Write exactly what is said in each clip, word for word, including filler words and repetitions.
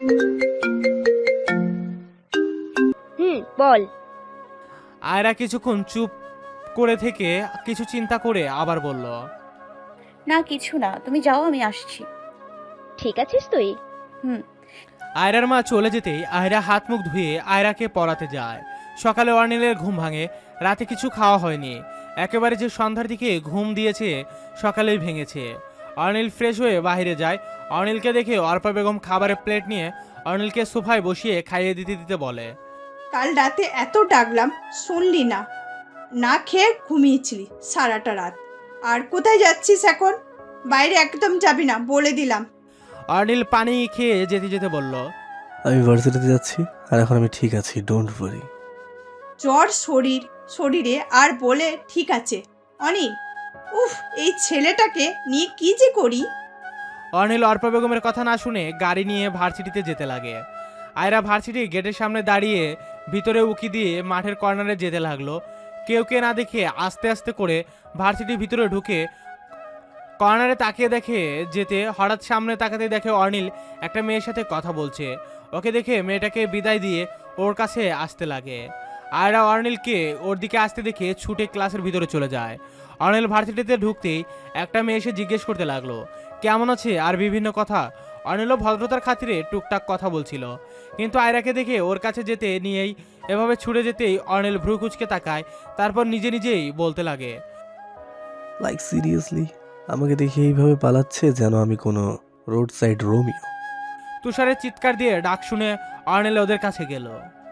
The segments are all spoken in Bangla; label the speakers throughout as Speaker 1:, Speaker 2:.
Speaker 1: হুম, বল।
Speaker 2: আয়রা কিছুক্ষণ চুপ করে থেকে কিছু চিন্তা করে আবার বলল,
Speaker 3: না কিছু না, তুমি যাও, আমি আসছি।
Speaker 1: ঠিক আছিস তুই?
Speaker 3: হুম।
Speaker 2: আয়রার মা চলে যেতেই আয়রা হাত মুখ ধুয়ে আয়রাকে পড়াতে যায়। সকালে অর্নিলের ঘুম ভাঙে, রাতে কিছু খাওয়া হয়নি, একেবারে যে সন্ধ্যার দিকে ঘুম দিয়েছে সকালেই ভেঙেছে। অর্নিল ফ্রেশ হয়ে বাইরে যায়। অর্নিলকে দেখে অর্পা বেগম খাবারের প্লেট নিয়ে অর্নিলকে সোফায় বসিয়ে খাইয়ে দিতে দিতে বলে,
Speaker 4: কাল রাতে এত ডাকলাম, শুনলি না, না খেয়ে ঘুমিয়েছিলি সারাটা রাত। আর কোথায় যাচ্ছিস এখন? বাইরে একদম যাবি না, বলে দিলাম।
Speaker 2: অর্নিল পানি খেয়ে যেতে যেতে বলল,
Speaker 5: আমি ভার্সিটিতে যাচ্ছি, আর এখন আমি ঠিক আছি, ডোন্ট ওয়ারি।
Speaker 4: জ্বর শরীর শরীরে আর বলে ঠিক আছে অনিল। উফ, এই ছেলেটাকে নিয়ে কি যে করি।
Speaker 2: অর্নিল অর্পা বেগমের কথা না শুনে গাড়ি নিয়ে ভার্সিটিতে যেতে লাগে। আয়রা ভার্সিটি গেটের সামনে দাঁড়িয়ে ভিতরে উকি দিয়ে মাঠের কর্নারে যেতে লাগলো। কেউ কে না দেখে আস্তে আস্তে করে ভার্সিটির ভিতরে ঢুকে কর্নারে তাকিয়ে দেখে যেতে হঠাৎ সামনে তাকাতে দেখে অর্নিল একটা মেয়ের সাথে কথা বলছে। ওকে দেখে মেয়েটাকে বিদায় দিয়ে ওর কাছে আসতে লাগে। আয়রা অর্নিলকে ওর দিকে আসতে দেখে ছুটে ক্লাসের ভিতরে চলে যায়। অর্নিল ভার্সিটিতে ঢুকতেই একটা মেয়ে এসে জিজ্ঞেস করতে লাগলো কেমন আছে আর বিভিন্ন কথা। অর্নিলও ভদ্রতার খাতিরে টুকটাক কথা বলছিল, কিন্তু আয়রাকে দেখে ওর কাছে যেতে নিয়েই এভাবে ছুটে যেতেই অর্নিল ভ্রু কুচকে তাকায়, তারপর নিজে নিজেই বলতে লাগে,
Speaker 5: লাইক সিরিয়াসলি আমাকে দেখে এইভাবে পালাচ্ছে যেন আমি কোনো রোড সাইড রোমিও।
Speaker 2: তুষারের চিৎকার দিয়ে ডাক শুনে অর্নিল ওদের কাছে গেল।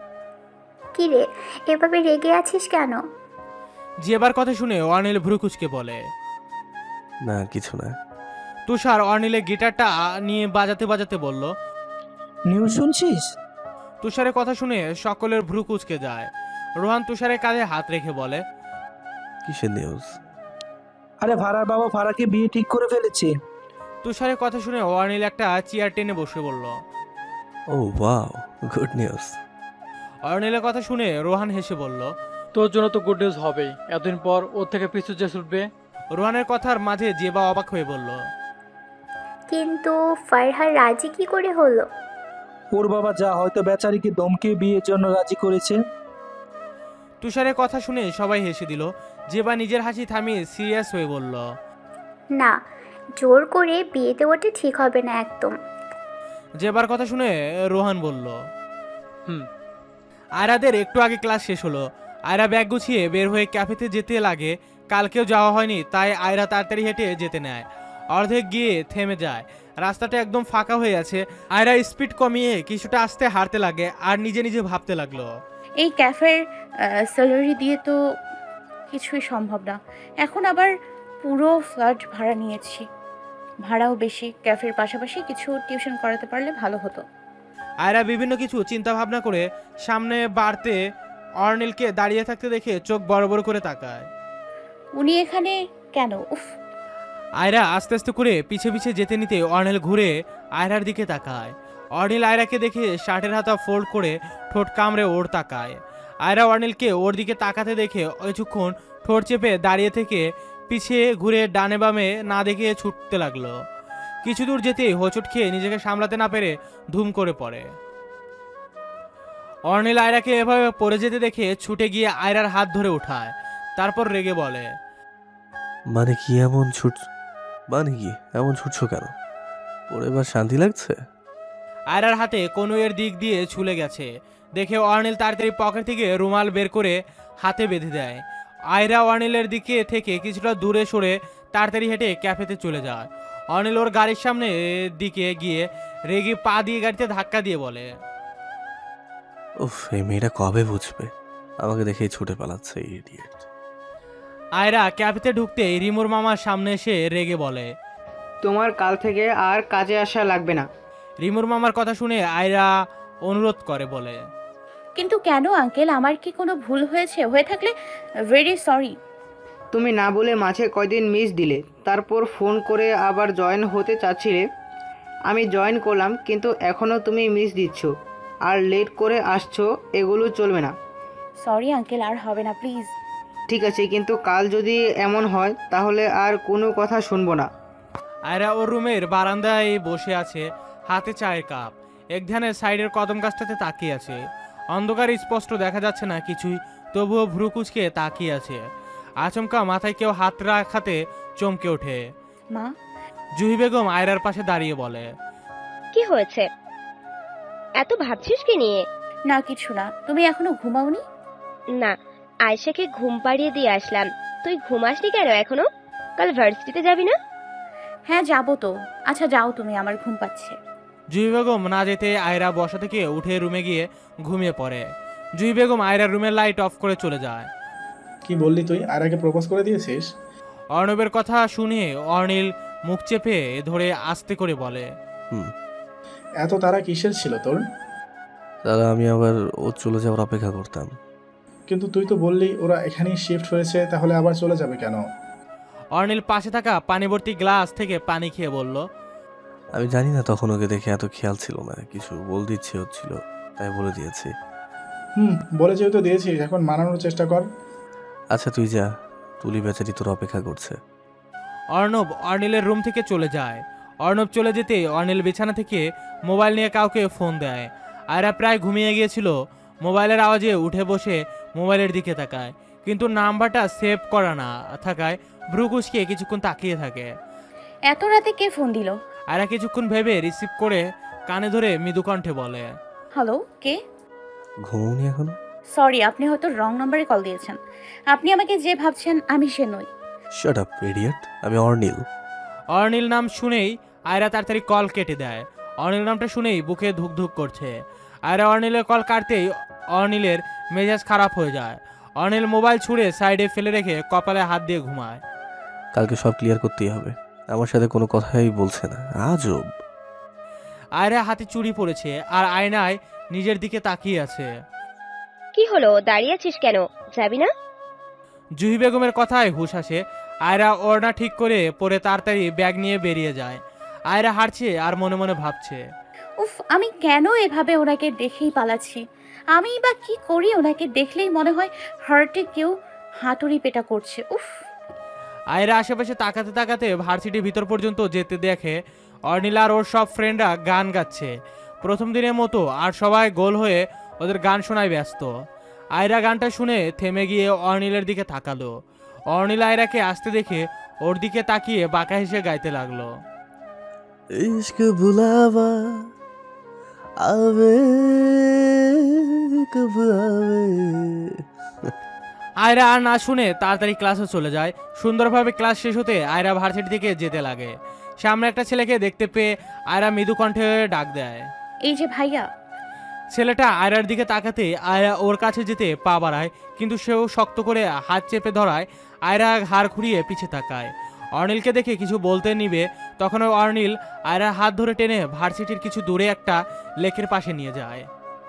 Speaker 6: কি রে, এভাবে রেগে আছিস কেন?
Speaker 2: যেবার কথা শুনে অর্নিল ভ্রু কুচকে বলে,
Speaker 5: না কিছু না।
Speaker 2: তুষার অর্নিলের গিটারটা নিয়ে বাজাতে বাজাতে বলল,
Speaker 7: নিউজ শুনছিস?
Speaker 2: তুষারের কথা শুনে সকলের ভ্রু কুচকে যায়। রোহান তুষারের কাঁধে হাত রেখে বলে,
Speaker 5: কিসের নিউজ?
Speaker 7: আরে ভাড়ার বাবা ভাড়াকে বিয়ে ঠিক করে ফেলেছে।
Speaker 2: তুষারের কথা শুনে অর্নিল একটা চেয়ার টেনে বসে বলল।
Speaker 5: Oh wow, good news.
Speaker 2: অর্নিলের কথা শুনে রোহান হেসে বলল,
Speaker 8: তোর জন্য তো গুড নিউজ হবেই, এতদিন পর ওর থেকে পিছু যে ছুটবে।
Speaker 2: রোহানের কথার মাঝে জেবা অবাক হয়ে বলল,
Speaker 6: কিন্তু ফারহার রাজি কি করে হলো?
Speaker 7: ওর বাবা যা হয়তো বেচারিকে দমকে বিয়ের জন্য রাজি করেছে।
Speaker 2: তুষারের কথা শুনে সবাই হেসে দিল। জেবা নিজের হাসি থামিয়ে সিরিয়াস হয়ে বলল,
Speaker 6: না, জোর করে বিয়ে দেওয়াটা ঠিক হবে না একদম।
Speaker 2: জেবার কথা শুনে রোহান বলল,
Speaker 8: হুম।
Speaker 2: আয়রাদের একটু আগে ক্লাস শেষ হলো। আয়রা ব্যাগ গুছিয়ে বের হয়ে ক্যাফেতে যেতে লাগে। কালকেও যাওয়া হয়নি, তাই আয়রা তাড়াতাড়ি হেঁটে যেতে নেয়। অর্ধেক গিয়ে থেমে যায়, রাস্তাটা একদম ফাঁকা হয়ে আছে। আয়রা স্পিড কমিয়ে কিছুটা আস্তে হাঁটতে লাগে আর নিজে নিজে ভাবতে লাগলো,
Speaker 3: এই ক্যাফের স্যালারি দিয়ে তো কিছুই সম্ভব না। এখন আবার পুরো ফ্ল্যাট ভাড়া নিয়েছি, ভাড়াও বেশি। ক্যাফের পাশাপাশি কিছু টিউশন করাতে পারলে ভালো হতো।
Speaker 2: আয়রা বিভিন্ন কিছু চিন্তা ভাবনা করে সামনে বাড়তে অর্নিলকে দাঁড়িয়ে থাকতে দেখে চোখ বড় বড় করে তাকায়।
Speaker 3: উনি এখানে কেন? উফ।
Speaker 2: আয়রা আস্তে আস্তে করে পিছে পিছে যেতে নিতে অর্নিল ঘুরে আয়রার দিকে তাকায়। অর্নিল আয়রাকে দেখে শার্টের হাতা ফোল্ড করে ঠোঁট কামড়ে ওর তাকায়। আয়রা অর্নিলকে ওর দিকে তাকাতে দেখে কিছুক্ষণ ঠোঁট চেপে দাঁড়িয়ে থেকে পিছিয়ে ঘুরে ডানে বামে না দেখে ছুটতে লাগলো। কিছু দূর যেতেই হোঁচট খেয়ে নিজেকে সামলাতে না পেরে ধুম করে পড়ে। অর্নিল আয়রাকে এভাবে পড়ে যেতে দেখে ছুটে গিয়ে আয়রার হাত ধরে উঠায়, তারপর রেগে বলে,
Speaker 5: মানে কি এমন ছুট মানে কি এমন ছুটছো কেন? পরে এবার শান্তি লাগছে?
Speaker 2: আয়রার হাতে কনুইয়ের দিক দিয়ে ছুলে গেছে দেখে অর্নিল তাড়াতাড়ি পকেট থেকে রুমাল বের করে হাতে বেঁধে দেয়। আয়রা অর্নিলের দিকে থেকে কিছুটা দূরে সরে তাড়াতাড়ি হেঁটে ক্যাফেতে চলে যায়। অর্নিল ওর গাড়ির সামনে দিকে গিয়ে রেগে পা দিয়ে গাড়িতে ধাক্কা দিয়ে বলে,
Speaker 5: উফ, এই মেয়েটা কবে বুঝবে? আমাকে দেখেই ছুটে পালাচ্ছে, ইডিয়েট।
Speaker 2: আয়রা ক্যাফেতে ঢুকতেই রিমুর মামার সামনে এসে রেগে বলে,
Speaker 9: তোমার কাল থেকে আর কাজে আসা লাগবে না।
Speaker 2: রিমুর মামার কথা শুনে আয়রা অনুরোধ করে বলে,
Speaker 3: কিন্তু কেন আঙ্কেল? আমার কি কোনো ভুল হয়েছে? হয়ে থাকলে ভেরি সরি।
Speaker 9: তুমি না বলে মাঝে কয়দিন মিস দিলে, তারপর ফোন করে আবার জয়েন হতে চাচ্ছিলে। আমি জয়েন করলাম, কিন্তু এখনও তুমি মিস দিচ্ছ আর লেট করে আসছো, এগুলো চলবে না।
Speaker 3: সরি আঙ্কেল, আর হবে না প্লিজ।
Speaker 9: ঠিক আছে, কিন্তু কাল যদি এমন হয় তাহলে আর কোনো কথা শুনবো না।
Speaker 2: আয়রা ওর রুমের বারান্দায় বসে আছে, হাতে চায়ের কাপ। এক ধ্যানে সাইডের কদম গাছটাতে তাকিয়ে আছে। অন্ধকারে স্পষ্ট দেখা যাচ্ছে না কিছুই, তবুও ভ্রু কুচকে তাকিয়ে আছে। আচমকা মাথায় কেউ হাত রাখাতে চমকে ওঠে।
Speaker 3: মা,
Speaker 2: জুহি বেগম আয়রার পাশে দাঁড়িয়ে বলে,
Speaker 1: কি হয়েছে? এত ভাবছিস কি নিয়ে?
Speaker 3: না কিছু না। তুমি এখনো ঘুমাওনি?
Speaker 1: না, আয়েশাকে ঘুম পাড়িয়ে দিয়ে আসলাম। তুই ঘুমাসনি কেন এখনো? কাল ভার্সিটিতে যাবি না?
Speaker 3: হ্যাঁ যাবো তো। আচ্ছা যাও তুমি, আমার ঘুম পাচ্ছে।
Speaker 2: জুহি বেগম না যেতে আয়রা বসা থেকে উঠে রুমে গিয়ে ঘুমিয়ে পড়ে। জুহি বেগম আয়রার রুমের লাইট অফ করে চলে যায়।
Speaker 10: কি বললি তুই? আর আগে প্রপোজ করে দিয়েছিস?
Speaker 2: অর্ণবের কথা শুনে অর্নিল মুখ চেপে ধরে আস্তে করে বলে,
Speaker 5: হুম।
Speaker 10: এত তারা কিসের ছিল তোর?
Speaker 5: তারা আমি আবার ও চলে যাওয়ার অপেক্ষা করতাম।
Speaker 10: কিন্তু তুই তো বললি ওরা এখানেই শিফট হয়েছে, তাহলে আবার চলে যাবে কেন?
Speaker 2: অর্নিল পাশে থাকা পানি ভর্তি গ্লাস থেকে পানি খেয়ে বলল,
Speaker 5: আমি জানি না তখন ওকে দেখে এত খেয়াল ছিল না, কিছু বলতে ইচ্ছে হচ্ছিল তাই বলে দিয়েছি।
Speaker 10: হুম, বলে যেহেতু দিয়েছিস এখন মানানোর চেষ্টা কর।
Speaker 5: আচ্ছা তুই যা, তুলি বেচারি তোর অপেক্ষা করছে।
Speaker 2: অর্ণব অর্নিলের রুম থেকে চলে যায়। অর্ণব চলে যেতে অর্নিল বিছানা থেকে মোবাইল নিয়ে কাউকে ফোন দেয়। আয়রা প্রায় ঘুমিয়ে গিয়েছিল। মোবাইলের আওয়াজে উঠে বসে মোবাইলের দিকে তাকায়, কিন্তু নাম্বারটা সেভ করা না থাকায় ভ্রু কুচকে কিছুক্ষণ তাকিয়ে থাকে।
Speaker 3: এত রাতে কে ফোন দিল?
Speaker 2: আয়রা কিছুক্ষণ ভেবে রিসিভ করে কানে ধরে মৃদু কণ্ঠে বলে,
Speaker 3: হ্যালো, কে?
Speaker 5: ঘুমোনি এখনো?
Speaker 3: সরি, আপনি হয়তো রং নাম্বারে কল দিয়েছেন। আপনি আমাকে যে ভাবছেন আমি সে নই।
Speaker 5: শাট আপ ইডিয়েট, আমি অর্নিল।
Speaker 2: অর্নিল নাম শুনেই আয়রা তাড়াতাড়ি কল কেটে দেয়। অর্নিল নামটা শুনেই বুকে ধুক ধুক করছে। আয়রা অর্নিলের কল কাটতেই অর্নিলের মেজাজ খারাপ হয়ে যায়। অর্নিল মোবাইল ছুঁড়ে সাইডে ফেলে রেখে কপালে হাত দিয়ে ঘুমায়।
Speaker 5: কালকে সব ক্লিয়ার করতেই হবে। আমার সাথে কোনো কথাই বলছে না, আজব।
Speaker 2: আয়রা হাতে চুড়ি পড়েছে আর আয়নায় নিজের দিকে তাকিয়ে আছে।
Speaker 1: কি হলো, দাঁড়িয়ে আছিস কেন? যাবি না?
Speaker 2: জুহি বেগমের কথায় হুঁশ আসে। আয়রা ওড়না ঠিক করে পরে তাড়াতাড়ি ব্যাগ নিয়ে বেরিয়ে যায়। আয়রা হাঁটছে আর মনে মনে ভাবছে,
Speaker 3: উফ, আমি কেন এভাবে ওনাকে দেখেই পালাচ্ছি? আমি বা কি করি? ওনাকে দেখলেই মনে হয় হার্টে কেউ হাতুড়ি পেটা করছে। উফ।
Speaker 2: আয়রা আশেপাশে তাকাতে তাকাতে ভার্সিটির ভিতর পর্যন্ত যেতে দেখে অর্নিল আর ওর সব ফ্রেন্ডরা গান গাচ্ছে প্রথম দিনের মতো, আর সবাই গোল হয়ে ওদের গান শোনায় ব্যস্ত। আয়রা গানটা শুনে থেমে গিয়ে অর্নিলের দিকে তাকালো। অর্নিল আয়রাকে আসতে দেখে ওর দিকে তাকিয়ে বাঁকা হেসে গাইতে লাগলো,
Speaker 5: ইশক বুলাওয়া আবে কব আবে।
Speaker 2: আয়রা আর না শুনে তাড়াতাড়ি ক্লাসে চলে যায়। সুন্দরভাবে ক্লাস শেষ হতে আয়রা ভার্সিটি থেকে যেতে লাগে। সামনে একটা ছেলেকে দেখতে পেয়ে আয়রা মৃদু কণ্ঠে ডাক দেয়।
Speaker 3: এই যে ভাইয়া।
Speaker 2: ছেলেটা আয়রার দিকে তাকাতে আয়রা ওর কাছে যেতে পা বাড়ায়, কিন্তু সেও শক্ত করে হাত চেপে ধরায় আয়রা হাড় ঘুরিয়ে পিছে তাকায়। অর্নিলকে দেখে কিছু বলতে নিবে, তখন অর্নিল আয়রার হাত ধরে টেনে ভার্সিটির কিছু দূরে একটা লেকের পাশে নিয়ে যায়।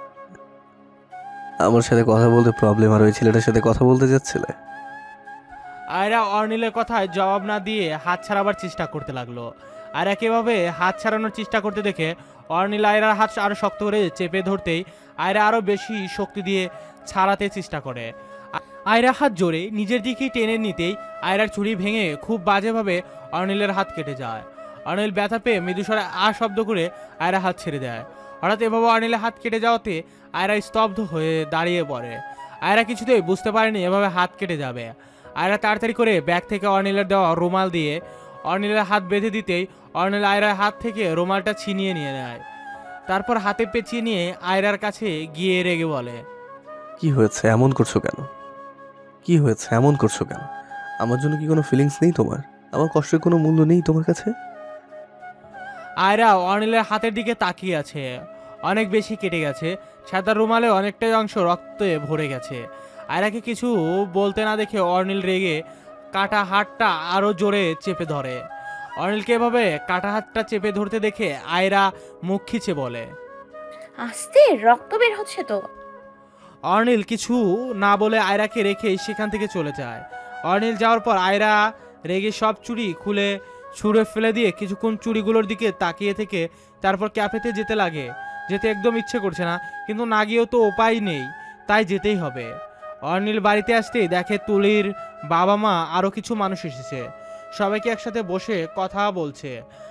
Speaker 5: আমার সাথে কথা বলতে প্রবলেম, আর ওই ছেলেটার সাথে কথা বলতে যাচ্ছিলে?
Speaker 2: আয়রা অর্নিলের কথায় জবাব না দিয়ে হাত ছাড়াবার চেষ্টা করতে লাগলো। আয়রা কিভাবে হাত ছাড়ানোর চেষ্টা করতে দেখে অর্নিল আয়রার হাত আরো শক্ত করে চেপে ধরতেই আয়রা আরো বেশি শক্তি দিয়ে ছাড়াতে চেষ্টা করে। আয়রা হাত জোরে নিজের দিকে টেনে নিতেই আয়রার ছুরি ভেঙে খুব বাজেভাবে অর্নিলের হাত কেটে যায়। অর্নিল ব্যথা পেয়ে মৃদুস্বরে আ শব্দ করে আয়রা হাত ছেড়ে দেয়। হঠাৎ এভাবে অর্নিলের হাত কেটে যাওয়াতে আয়রা স্তব্ধ হয়ে দাঁড়িয়ে পড়ে। আয়রা কিছুতেই বুঝতে পারেনি এভাবে হাত কেটে যাবে। আয়রা তাড়াতাড়ি করে ব্যাগ থেকে অর্নিলের দেওয়া রুমাল দিয়ে অর্নিলের হাত বেঁধে দিতেই অর্নিল আয়রার হাত থেকে রুমালটা ছিনিয়ে নিয়ে নেয়। তারপর হাতে পেঁচিয়ে নিয়ে আয়রার কাছে গিয়ে রেগে বলে,
Speaker 5: কি হয়েছে, এমন করছো কেন? কি হয়েছে, এমন করছো কেন? আমার জন্য কি কোনো ফিলিংস নেই তোমার? আমার কষ্টের কোনো মূল্য নেই তোমার কাছে?
Speaker 2: আয়রা অর্নিলের হাতের দিকে তাকিয়ে আছে। অনেক বেশি কেটে গেছে, সাদা রুমালে অনেকটাই অংশ রক্তে ভরে গেছে। আয়রাকে কিছু বলতে না দেখে অর্নিল রেগে কাটা হাতটা আরো জোরে চেপে ধরে। অর্নিলকে এভাবে কাটা হাতটা চেপে ধরতে দেখে আয়রা মুখ খিচে বলে,
Speaker 3: আস্তে, রক্ত বের হচ্ছে তো।
Speaker 2: অর্নিল কিছু না বলে আয়রাকে রেখে সেখান থেকে চলে যায়। অর্নিল যাওয়ার পর আয়রা রেগে সব চুড়ি খুলে ছুঁড়ে ফেলে দিয়ে কিছুক্ষণ চুড়িগুলোর দিকে তাকিয়ে থেকে তারপর ক্যাফেতে যেতে লাগে। যেতে একদম ইচ্ছে করছে না, কিন্তু না গিয়েও তো উপায় নেই, তাই যেতেই হবে। অর্নিল বাড়িতে আসতেই দেখে তুলির বাবা মা আরও কিছু মানুষ এসেছে। সবাইকে একসাথে বসে কথা বলছে।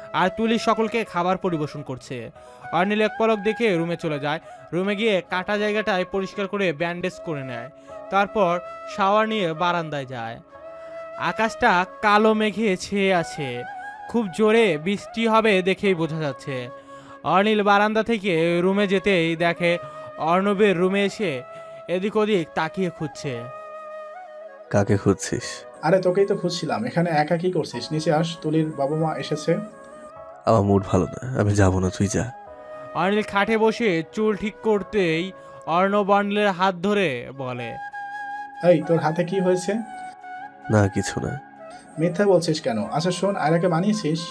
Speaker 2: আর তুলি সকলকে খাবার পরিবেশন করছে। অর্নিল এক পলক দেখে রুমে চলে যায়। রুমে গিয়ে কাটা জায়গাটায় পরিষ্কার করে ব্যান্ডেজ করে নেয়। তারপর শাওয়ার নিয়ে বারান্দায় যায়। আকাশটা কালো মেঘে ছেয়ে আছে, খুব জোরে বৃষ্টি হবে দেখেই বোঝা যাচ্ছে। অর্নিল বারান্দা থেকে রুমে যেতেই দেখে অর্ণবের রুমে এসে এদিক ওদিক তাকিয়ে খুঁজছে।
Speaker 5: কাকে খুঁজছিস?
Speaker 10: আরে তোকেই তো খুঁজছিলাম, এখানে একা কি করছিস? নিচে আস, তুলির বাবা মা এসেছে।
Speaker 5: আমার মুড ভালো না, আমি যাব না, তুই যা।
Speaker 2: অর্নিল খাটে বসে চুল ঠিক করতেই অর্ণব অর্নিলের হাত ধরে বলে,
Speaker 10: এই তোর হাতে কি হয়েছে?
Speaker 5: না কিছু না।
Speaker 10: মিথ্যা বলছিস কেন? আচ্ছা শোন, আয়রাকে মানিয়েছিস?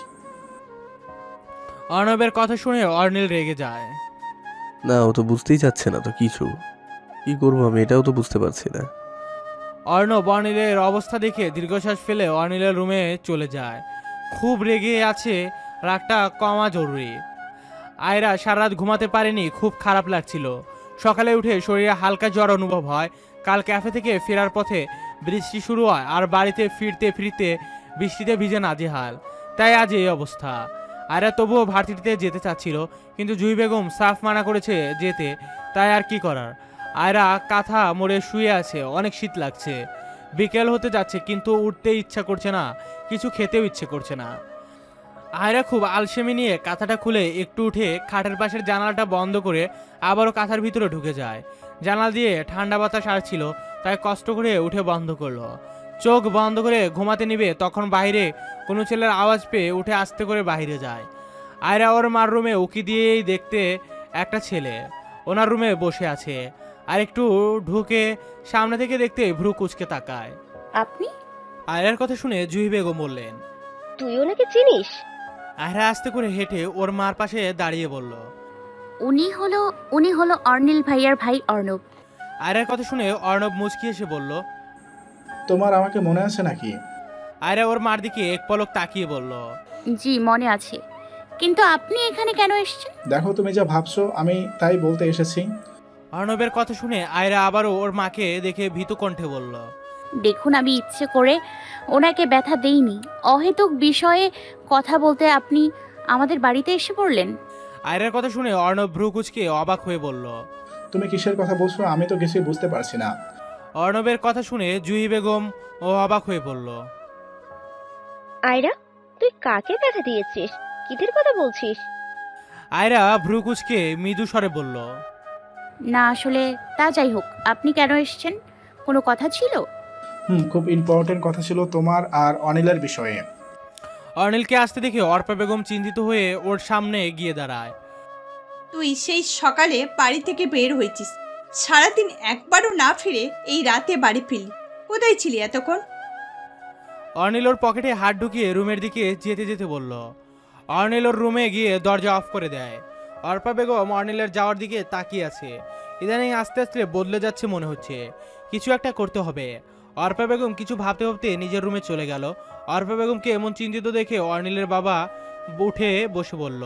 Speaker 2: অর্ণবের কথা শুনে অর্নিল রেগে যায়।
Speaker 5: না, ও তো বুঝতেই চাচ্ছে না তো কিছু। কি করবো আমি, এটাও তো বুঝতে পারছি না।
Speaker 2: অর্ণব অর্নিলের অবস্থা দেখে দীর্ঘশ্বাস ফেলে অর্নিলের রুমে চলে যায়। খুব রেগে আছে, রাগটা কমা জরুরি। আয়রা সারা রাত ঘুমাতে পারেনি, খুব খারাপ লাগছিল। সকালে উঠে শরীরে হালকা জ্বর অনুভব হয়। কাল ক্যাফে থেকে ফেরার পথে বৃষ্টি শুরু হয়, আর বাড়িতে ফিরতে ফিরতে বৃষ্টিতে ভিজে নাজেহাল। তাই আজ এই অবস্থা। আয়রা তবুও ভার্সিটিতে যেতে চাচ্ছিল, কিন্তু জুহি বেগম সাফ মানা করেছে যেতে। তাই আর কি করার। আয়রা কাঁথা মোড়ে শুয়ে আছে, অনেক শীত লাগছে। বিকেল হতে যাচ্ছে, কিন্তু উঠতে ইচ্ছা করছে না, কিছু খেতেও ইচ্ছে করছে না। আয়রা খুব আলসেমি নিয়ে কাঁথাটা খুলে একটু উঠে খাটের পাশের জানালাটা বন্ধ করে আবারও কাঁথার ভিতরে ঢুকে যায়। জানালা দিয়ে ঠান্ডা বাতাস আসছিল, তাই কষ্ট করে উঠে বন্ধ করলো। চোখ বন্ধ করে ঘুমাতে নিবে, তখন বাইরে কোনো ছেলের আওয়াজ পেয়ে উঠে আস্তে করে বাইরে যায়। আয়রা ওর মার রুমে উকি দিয়েই দেখতে একটা ছেলে ওনার রুমে বসে আছে। আর একটু ঢুকে সামনে থেকে দেখতে ভ্রু কুচকে তাকায়।
Speaker 3: আপনি?
Speaker 2: আয়রার কথা শুনে জুহি বেগম বললেন,
Speaker 1: তুই ওনাকে চিনিস?
Speaker 2: আয়রা আস্তে করে হেঁটে ওর মার পাশে দাঁড়িয়ে বলল।
Speaker 6: উনি হলো উনি হলো অর্নিল ভাইয়ার ভাই অর্ণব।
Speaker 2: আয়রার কথা শুনে অর্ণব মুচকি এসে বলল,
Speaker 10: তোমার আমাকে মনে আছে নাকি?
Speaker 2: আয়রা ওর মার দিকে এক পলক তাকিয়ে বলল,
Speaker 6: জি মনে আছে, কিন্তু আপনি এখানে কেন এসেছেন?
Speaker 10: দেখো তুমি যা ভাবছো, আমি তাই বলতে এসেছি।
Speaker 2: অর্ণবের কথা শুনে আয়রা আবারও ওর মাকে দেখে ভীতু কণ্ঠে বলল,
Speaker 6: দেখুন, আমি ইচ্ছে করে ওনাকে ব্যথা দেইনি। অহেতুক বিষয়ে কথা বলতে আপনি আমাদের বাড়িতে এসে পড়লেন।
Speaker 2: আয়রার কথা শুনে অর্ণব ভ্রু কুচকে অবাক হয়ে বলল।
Speaker 10: তুমি কিসের কথা বলছো? আমি তো কিছুই বুঝতে পারছি না।
Speaker 2: অর্ণবের কথা শুনে জুহি বেগম ও অবাক হয়ে বলল,
Speaker 1: আয়রা, তুই কাকে ব্যথা দিয়েছিস? কিদের কথা বলছিস?
Speaker 2: আয়রা ভ্রু কুচকে মৃদু স্বরে বলল,
Speaker 6: না আসলে তা যাই হোক, আপনি কেন এসেছেন? কোনো কথা ছিল?
Speaker 10: হুম, খুব ইম্পর্টেন্ট কথা ছিল তোমার আর অনিলের বিষয়ে।
Speaker 2: অর্নিলকে আসতে দেখে অর্পা বেগম চিন্তিত হয়ে ওর সামনে গিয়ে দাঁড়ায়।
Speaker 4: তুই সেই সকালে বাড়ি থেকে বের হয়েছিস, সারাদিন একবারও না ফিরে এই রাতে বাড়ি ফিরলি। কোথায় ছিলি এতক্ষণ?
Speaker 2: অর্নিল ওর পকেটে হাত ঢুকিয়ে রুমের দিকে যেতে যেতে বলল। অর্নিল ওর রুমে গিয়ে দরজা অফ করে দেয়। অর্পা বেগম অর্নিলের যাওয়ার দিকে তাকিয়ে আছে। ইদানিং আস্তে আস্তে বদলে যাচ্ছে মনে হচ্ছে, কিছু একটা করতে হবে। অর্পা বেগম কিছু ভাবতে ভাবতে নিজের রুমে চলে গেল। অর্পা বেগমকে এমন চিন্তিত দেখে অর্নিলের বাবা উঠে বসে বলল,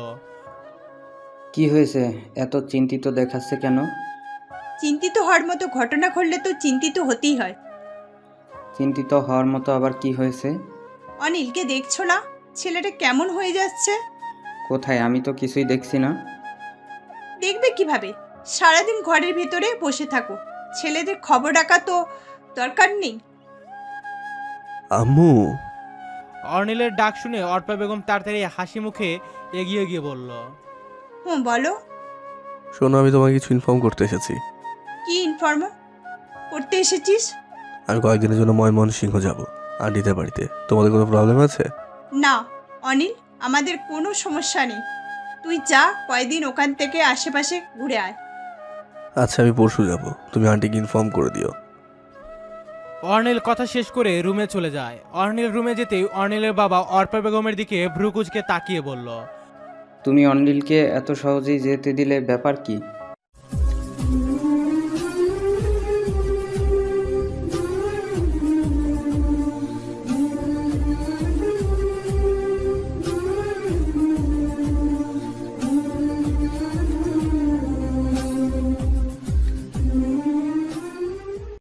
Speaker 11: কি হয়েছে, এত চিন্তিত দেখাচ্ছে কেন?
Speaker 4: চিন্তিত হওয়ার মতো ঘটনা ঘটলে তো চিন্তিত হতেই হয়।
Speaker 11: চিন্তিত হওয়ার মতো আবার কি হয়েছে?
Speaker 4: অনিলকে দেখছো না? ছেলেটা কেমন হয়ে যাচ্ছে।
Speaker 11: কোথায়? আমি তো কিছুই দেখছি না।
Speaker 4: দেখবে কিভাবে? সারাদিন ঘরের ভিতরে বসে থাকো, ছেলেদের খবর রাখা তো দরকার নেই।
Speaker 5: আম্মু।
Speaker 2: অর্নিলের ডাক শুনে অর্পা বেগম তাড়াতাড়ি হাসি মুখে এগিয়ে গিয়ে বলল,
Speaker 4: হুম বলো।
Speaker 5: শোনো, আমি তোমাকে কিছু ইনফর্ম করতে এসেছি।
Speaker 4: কি ইনফর্ম করতে এসেছিস?
Speaker 5: আমি কয়েকদিনের জন্য ময়মনসিংহ যাব আন্টিদের বাড়িতে। তোমাদের কোনো প্রবলেম আছে?
Speaker 4: না অনিল, আমাদের কোনো সমস্যা নেই। তুই যা, কয়দিন ওখান থেকে আশেপাশে ঘুরে আয়।
Speaker 5: আচ্ছা, আমি পরশু যাব, তুমি আন্টিকে ইনফর্ম করে দিও।
Speaker 2: অর্নিল কথা শেষ করে রুমে চলে যায়। অর্নিল রুমে যেতেই অর্নিলের বাবা অর্পা বেগমের দিকে ভ্রু কুচকে তাকিয়ে বলল,
Speaker 11: তুমি অনিলকে এত সহজেই যেতে দিলে, ব্যাপার কি?